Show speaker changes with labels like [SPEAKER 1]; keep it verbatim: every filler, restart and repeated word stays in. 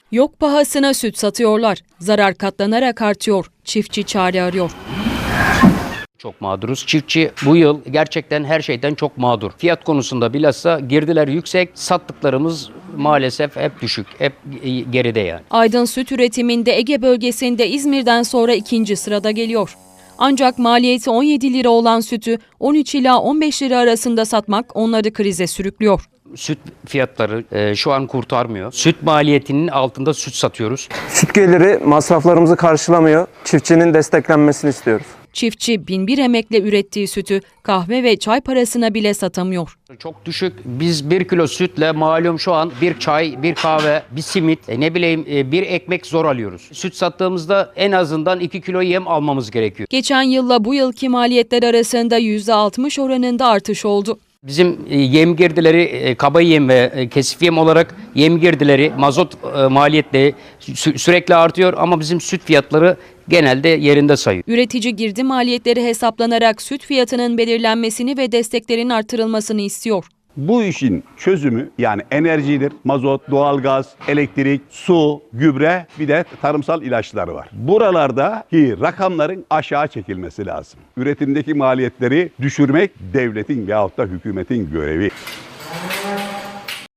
[SPEAKER 1] Yok pahasına süt satıyorlar. Zarar katlanarak artıyor. Çiftçi çare arıyor.
[SPEAKER 2] Çok mağduruz. Çiftçi bu yıl gerçekten her şeyden çok mağdur. Fiyat konusunda bilhassa girdiler yüksek, sattıklarımız maalesef hep düşük, hep geride yani.
[SPEAKER 1] Aydın süt üretiminde Ege bölgesinde İzmir'den sonra ikinci sırada geliyor. Ancak maliyeti on yedi lira olan sütü on üç ila on beş lira arasında satmak onları krize sürüklüyor.
[SPEAKER 2] Süt fiyatları e, şu an kurtarmıyor. Süt maliyetinin altında süt satıyoruz.
[SPEAKER 3] Süt geliri masraflarımızı karşılamıyor. Çiftçinin desteklenmesini istiyoruz.
[SPEAKER 1] Çiftçi bin bir emekle ürettiği sütü kahve ve çay parasına bile satamıyor.
[SPEAKER 2] Çok düşük. Biz bir kilo sütle malum şu an bir çay, bir kahve, bir simit, e, ne bileyim e, bir ekmek zor alıyoruz. Süt sattığımızda en azından iki kilo yem almamız gerekiyor.
[SPEAKER 1] Geçen yılla bu yılki maliyetler arasında yüzde altmış oranında artış oldu.
[SPEAKER 2] Bizim e, yem girdileri, e, kaba yem ve e, kesif yem olarak yem girdileri, mazot e, maliyetleri sü- sürekli artıyor ama bizim süt fiyatları genelde yerinde sayıyor.
[SPEAKER 1] Üretici girdi maliyetleri hesaplanarak süt fiyatının belirlenmesini ve desteklerin artırılmasını istiyor.
[SPEAKER 4] Bu işin çözümü yani enerjidir, mazot, doğalgaz, elektrik, su, gübre bir de tarımsal ilaçları var. Buralardaki rakamların aşağı çekilmesi lazım. Üretimdeki maliyetleri düşürmek devletin veyahut da hükümetin görevi.